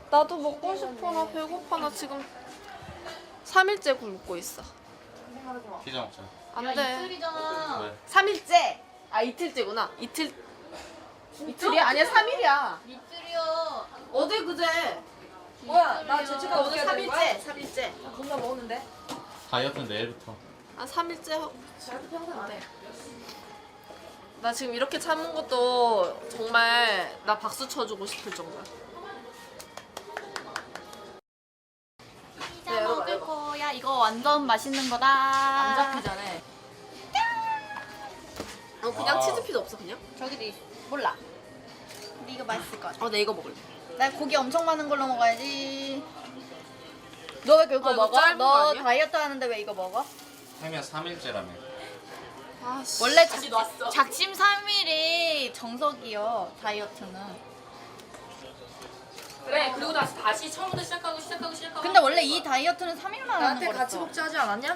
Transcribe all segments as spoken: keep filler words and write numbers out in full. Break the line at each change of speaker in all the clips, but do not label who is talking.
나도 먹고 싶어. 나 배고파. 나 지금 삼 일째 굶고 있어.
피자 먹자.
안 돼.
이틀이잖아.
왜?
삼 일째. 아 이틀째구나. 이틀. 이틀이야? 아니야 삼 일이야.
이틀이요.
어제 그제.
뭐야? 나 죄책감
오늘
느껴야
삼
되는 거야?
일째. 삼 일째.
나 겁나 먹었는데.
다이어트는 내일부터.
아 삼 일째 하고.
나도 평생 안 해.
나 지금 이렇게 참은 것도 정말 나 박수 쳐주고 싶을 정도야.
피자 먹을 거야. 이거 완전 맛있는 거다. 안
잡히잖아.
어 그냥
와우.
치즈 피자 없어 그냥?
저기도 있어. 몰라. 근데 이거 맛있을 것 같아.
어, 나 이거 먹을래.
나 고기 엄청 많은 걸로 먹어야지. 너 왜 그거
아, 이거
먹어?
짧은 거
너
아니야?
다이어트 하는데 왜 이거 먹어?
혜미야 삼 일째라며.
아, 씨.
원래 작, 작심 삼 일이 정석이요. 다이어트는.
그래. 그리고 다시 다시 처음부터 시작하고 시작하고 시작하고.
근데 원래 이 다이어트는 삼 일만 하는
나한테
거랬어.
같이 먹자 하지 않았냐?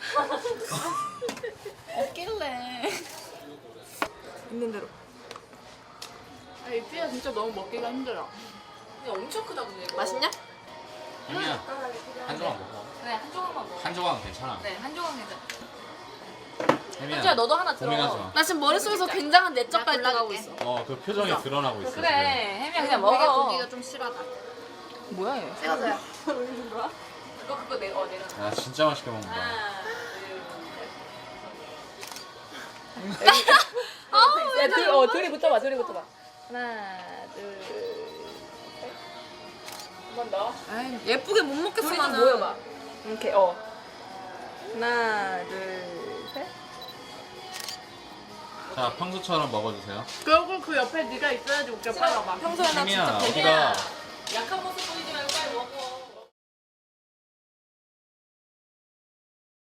없길래.
있는 대로.
아, 이 피자 진짜 너무 먹기가 힘들어. 근데 엄청 크다 근데 이거.
맛있냐?
혜미야 한 조각 먹어.
그래 한 조각만 먹어.
한 조각은 괜찮아.
네, 한 조각 내자.
혜미야.
현주야 너도 하나 들어.
고민하지 마.
나 지금 머릿속에서 굉장한 내적
나
갈등하고
골라줄게.
있어.
어 그 표정이 드러나고 있어.
그래, 혜미야 그냥
우리가
먹어.
고기가 좀 실하다.
뭐야 얘?
찍어줘요.
그거 그거 내 어 내려.
지금. 야 진짜 맛있게 먹는다.
하나,
아우,
야, 둘, 어, 둘이 붙어봐, 둘이 붙어봐. 하나, 둘, 셋. 한 번 더.
에이, 예쁘게 못 먹겠어
둘이 좀
나는.
모여봐. 이렇게, 어. 하나, 둘, 셋.
자 평소처럼 먹어주세요.
결국 그 옆에 네가 있어야지 웃겨. 빨리 와봐.
평소에 나
혜미야
진짜
어디가